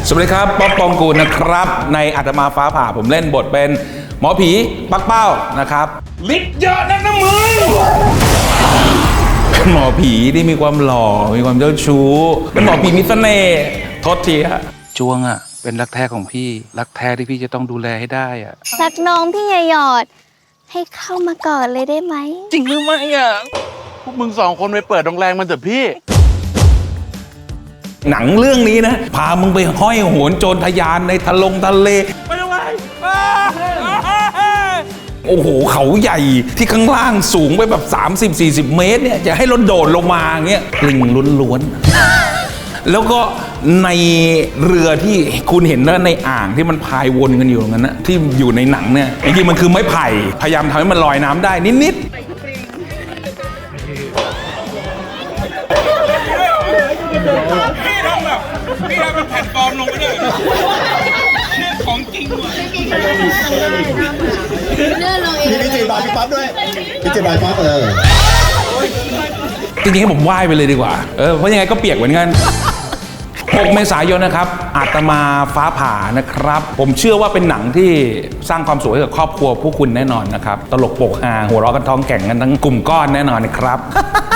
สวัสดีครับป๊อปปองกูลนะครับในอาตมาฟ้าผ่าผมเล่นบทเป็นหมอผีปักเป้านะครับฤทธิ์เยอะนักนะมึงเป็นหมอผีที่มีความหล่อมีความเจ้าชู้เป็นหมอผีมีเสน่ห์โทษทีฮะจวงอ่ะเป็นรักแท้ของพี่รักแท้ที่พี่จะต้องดูแลให้ได้อ่ะรักน้องพี่หยอดให้เข้ามาก่อนเลยได้ไหมจริงหรือไม่อ่ะพวกมึง2 คนไปเปิดโรงแรมมันเถอะพี่หนังเรื่องนี้นะพามึงไปห้อยโหนโจรทะยานในทะเลไปทำไมโอ้โหเขาใหญ่ที่ข้างล่างสูงไปแบบ30-40 เมตรเนี่ยจะให้รถโดดลงมาเงี้ยลิงล้วนๆแล้วก็ในเรือที่คุณเห็นนะในอ่างที่มันพายวนกันอยู่งั้นนะที่อยู่ในหนังเนี่ยจริงๆมันคือไม้ไผ่พยายามทำให้มันลอยน้ำได้นิดๆพี่ทำเป็นแผ่นฟอร์มลงไปเลยของจริงว่ะมีดีเจบาร์พี่ปั๊บด้วยดีเจบาร์ปั๊บจริงๆผมไหว้ไปเลยดีกว่าเพราะยังไงก็เปียกเหมือนกัน6 เมษายนนะครับอาตมาฟ้าผ่านะครับผมเชื่อว่าเป็นหนังที่สร้างความสุขให้กับครอบครัวผู้คุณแน่นอนนะครับตลกโปกฮาหัวเราะกันท้องแก่งกันทั้งกลุ่มก้อนแน่นอนนะครับ